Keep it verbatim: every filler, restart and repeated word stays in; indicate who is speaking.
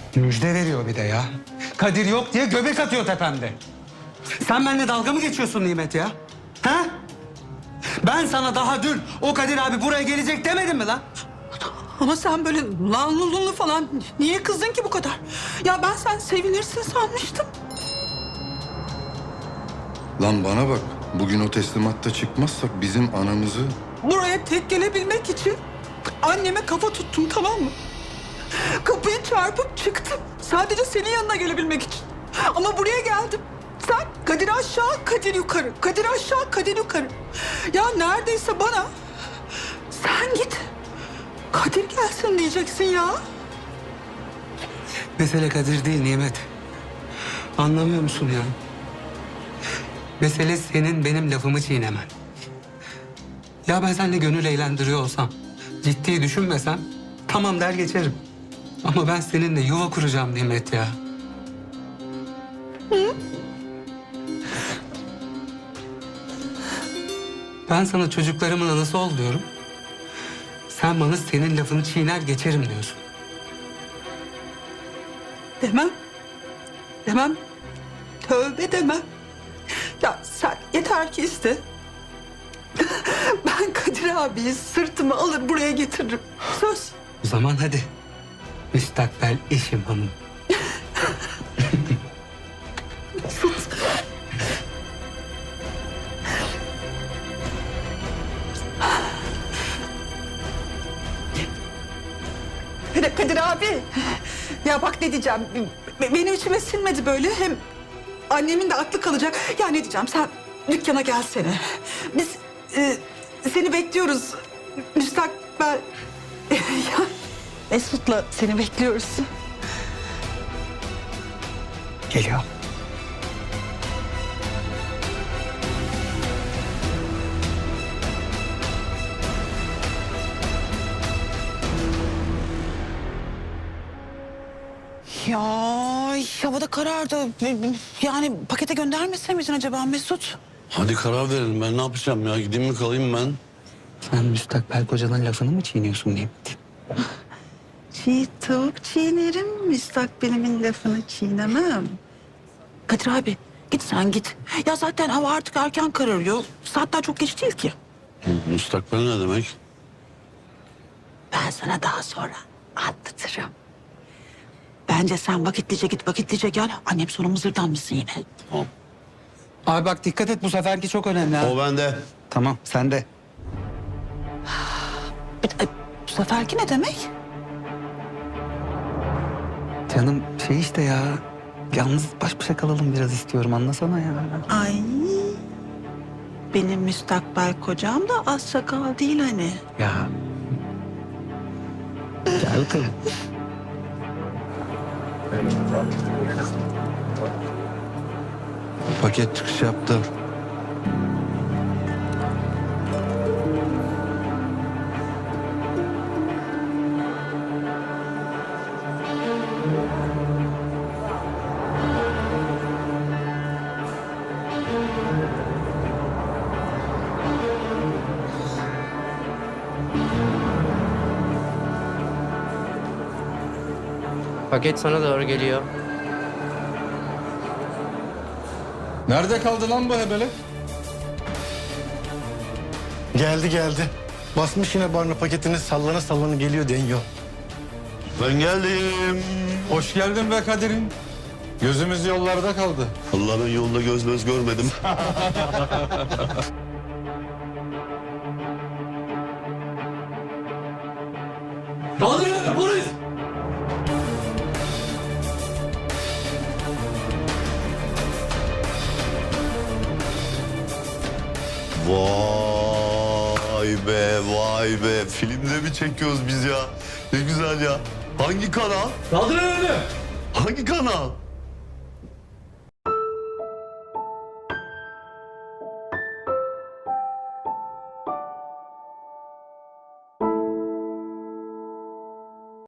Speaker 1: Müjde veriyor bir de ya. Kadir yok diye göbek atıyor tepemde. Sen benimle dalga mı geçiyorsun Nimet ya? Ha? Ben sana daha dün o Kadir abi buraya gelecek demedim mi lan?
Speaker 2: Ama sen böyle lanlulunlu falan niye kızdın ki bu kadar? Ya ben sen sevinirsin sanmıştım.
Speaker 3: Lan bana bak. Bugün o teslimatta çıkmazsak bizim anamızı...
Speaker 2: Buraya tek gelebilmek için anneme kafa tuttum, tamam mı? Kapıyı çarpıp çıktım. Sadece senin yanına gelebilmek için. Ama buraya geldim. Sen Kadir aşağı, Kadir yukarı. Kadir aşağı, Kadir yukarı. Ya neredeyse bana sen git, Kadir gelsin diyeceksin ya.
Speaker 1: Mesele Kadir değil Nimet. Anlamıyor musun ya? Mesele senin benim lafımı çiğnemen. Ya ben seninle gönül eğlendiriyor olsam, ciddi düşünmesem tamam der geçerim. Ama ben seninle yuva kuracağım Nimet ya.
Speaker 2: Hı?
Speaker 1: Ben sana çocuklarımın anası ol diyorum. Sen bana senin lafını çiğner geçerim diyorsun.
Speaker 2: Demem. Demem. Tövbe demem. Ya sen yeter ki iste. Ben Kadir abiyi sırtıma alır buraya getiririm. Söz.
Speaker 1: O zaman hadi. Müstakbel eşim hanım.
Speaker 2: Sus. Kadir, Kadir abi. Ya bak ne diyeceğim. Be- Benim içime sinmedi böyle. Hem annemin de aklı kalacak. Ya ne diyeceğim, sen dükkana gelsene. Biz e, seni bekliyoruz. Müstakbel... ya Mesut'la seni bekliyoruz.
Speaker 1: Geliyor.
Speaker 2: Ya havada karardı. Yani pakete göndermese miydin acaba Mesut?
Speaker 4: Hadi karar verelim. Ben ne yapacağım ya? Gideyim mi kalayım ben?
Speaker 1: Sen müstakbel kocanın lafını mı çiğniyorsun Nimet?
Speaker 2: Çiğ tavuk çiğnerim, müstakbelimin lafını çiğnemem. Kadir abi git sen git. Ya zaten hava artık erken kararıyor. Saatler çok geç değil ki.
Speaker 4: Müstakbel ne demek?
Speaker 2: Ben sana daha sonra anlatırım. Bence sen vakitlice git, vakitlice gel. Annem sonra mızırdanmışsın yine.
Speaker 4: Tamam.
Speaker 1: Abi bak dikkat et, bu seferki çok önemli ha.
Speaker 4: O bende.
Speaker 1: Tamam sen de.
Speaker 2: E, Bu seferki ne demek?
Speaker 1: Canım şey işte ya. Yalnız baş başa kalalım biraz istiyorum, anlasana ya.
Speaker 2: Ay, benim müstakbel kocam da az sakal değil hani.
Speaker 1: Ya. Gel bakalım.
Speaker 3: Paket çıkış yaptı.
Speaker 5: Paket sana doğru geliyor.
Speaker 3: Nerede kaldı lan bu hebele?
Speaker 6: Geldi geldi. Basmış yine barına paketini, sallana sallana geliyor deniyor.
Speaker 4: Ben geldim.
Speaker 3: Hoş geldin be Kadir'im. Gözümüz yollarda kaldı.
Speaker 4: Allah, ben yolda göz göz görmedim.
Speaker 1: Kaldırın polis!
Speaker 4: Vay be, vay be. Filmde mi çekiyoruz biz ya? Ne güzel ya. Hangi kanal?
Speaker 1: Kaldırın önünü!
Speaker 4: Hangi kanal?